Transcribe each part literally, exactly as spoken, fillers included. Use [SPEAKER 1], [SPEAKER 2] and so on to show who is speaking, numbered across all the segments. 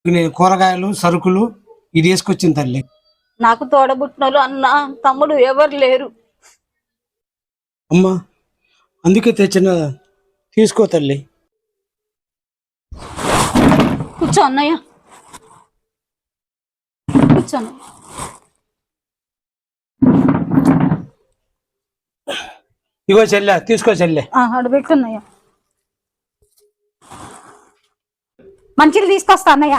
[SPEAKER 1] నేను కూరగాయలు సరుకులు ఇది వేసుకొచ్చింది తల్లి.
[SPEAKER 2] నాకు తోడబుట్టినోళ్ళు అన్న తమ్ముడు ఎవరు లేరు
[SPEAKER 1] అమ్మా, అందుకే తెచ్చిన, తీసుకో తల్లి.
[SPEAKER 2] కూర్చో అన్నయ్య, కూర్చోను.
[SPEAKER 1] ఇగో చెల్లె, తీసుకో చెల్లె.
[SPEAKER 2] అడబెట్టున్నయ్య, మంచిలు తీసుకొస్తా అన్నయ్య.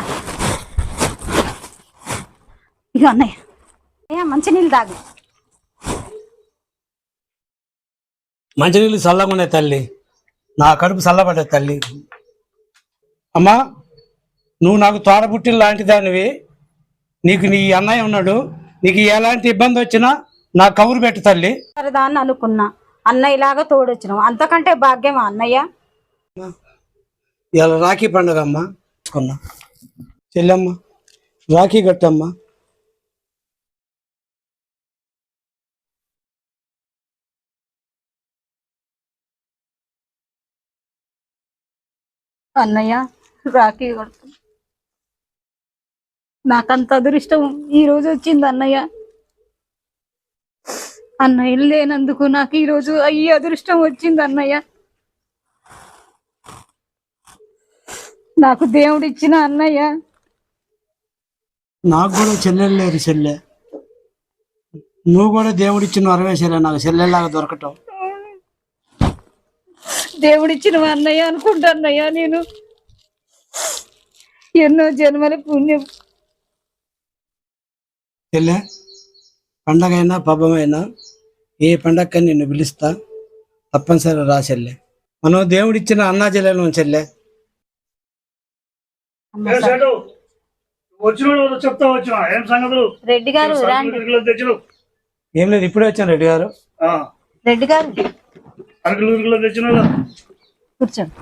[SPEAKER 2] ఇక అన్నయ్య అయ్యా మంచినీళ్ళు తాగు.
[SPEAKER 1] మంచినీళ్ళు చల్లగా ఉన్నాయి తల్లి, నా కడుపు చల్లబడ్డది తల్లి. అమ్మా, నువ్వు నాకు తోడబుట్టిన లాంటి దానివి, నీకు నీ అన్నయ్య ఉన్నాడు, నీకు ఎలాంటి ఇబ్బంది వచ్చినా నా కబురు పెట్టు తల్లి.
[SPEAKER 2] దాన్ని అనుకున్నా అన్నయ్యలాగా తోడొచ్చినావు, అంతకంటే భాగ్యమా అన్నయ్య.
[SPEAKER 1] ఇలా రాఖీ పండుగ అమ్మా, తీసుకున్నా చెల్లెమ్మ, రాఖీ కట్టమ్మా.
[SPEAKER 2] అన్నయ్య రాఖీ కడుతు, నాకంత అదృష్టం ఈ రోజు వచ్చింది అన్నయ్య. అన్నయ్య లేనందుకు నాకు ఈ రోజు ఈ అదృష్టం వచ్చింది అన్నయ్య. నాకు దేవుడు ఇచ్చిన అన్నయ్య.
[SPEAKER 1] నాకు కూడా చెల్లెలు లేరు చెల్లె, నువ్వు కూడా దేవుడిచ్చిన వరవే చెల్లె, నాకు చెల్లెలాగా దొరకటం.
[SPEAKER 2] దేవుడిచ్చిన అన్నయ్య అనుకుంటా అన్నయ్య, నేను ఎన్నో జన్మల పుణ్యం.
[SPEAKER 1] చెల్లె, పండగైనా పబ్బమైనా ఏ పండగకని నిన్ను పిలుస్తా, తప్పనిసరి రా చెల్లె. మనం దేవుడిచ్చిన అన్నా చెల్లెలు చెల్లె.
[SPEAKER 2] రెడ్డి గారు
[SPEAKER 1] ఏం లేదు, ఇప్పుడే వచ్చాను రెడ్డి గారు.
[SPEAKER 2] రెడ్డి గారు కూర్చోండి.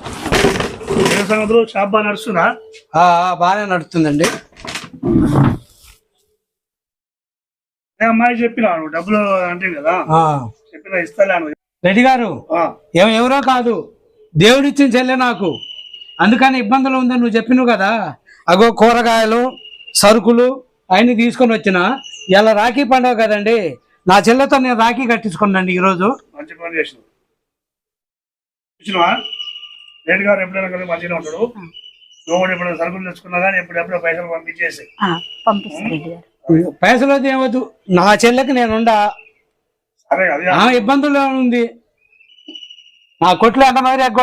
[SPEAKER 3] షాప్ బాగా నడుస్తుందా?
[SPEAKER 1] బాగానే నడుస్తుందండి.
[SPEAKER 3] అమ్మాయి చెప్పినాను డబ్బులు అంటే కదా, చెప్పిన ఇస్తాను.
[SPEAKER 1] రెడ్డి గారు ఎవరో కాదు, దేవుడిచ్చిన చెల్లె నాకు, అందుకని ఇబ్బందులు ఉందని నువ్వు చెప్పినావు కదా. అగో కూరగాయలు సరుకులు అవన్నీ తీసుకొని వచ్చిన, ఇలా రాఖీ పండుగ కదండి, నా చెల్లెతో నేను రాఖీ కట్టించుకున్నాండి ఈరోజు.
[SPEAKER 3] మంచి పని చేసినావు. చూసినావా, రెడ్డి గారు ఎప్పుడైనా కదా మంచిగా ఉంటాడు. నువ్వు కూడా ఎప్పుడైనా సరుకులు తెచ్చుకున్నా కానీ ఎప్పుడెప్పుడో పైసలు పంపించేసి
[SPEAKER 1] పైసలు ఏమవుతు, నా చెల్లెకి నేనుండా.
[SPEAKER 3] సరే
[SPEAKER 1] ఇబ్బందులు ఉంది, నా కొట్లు ఎంత మరి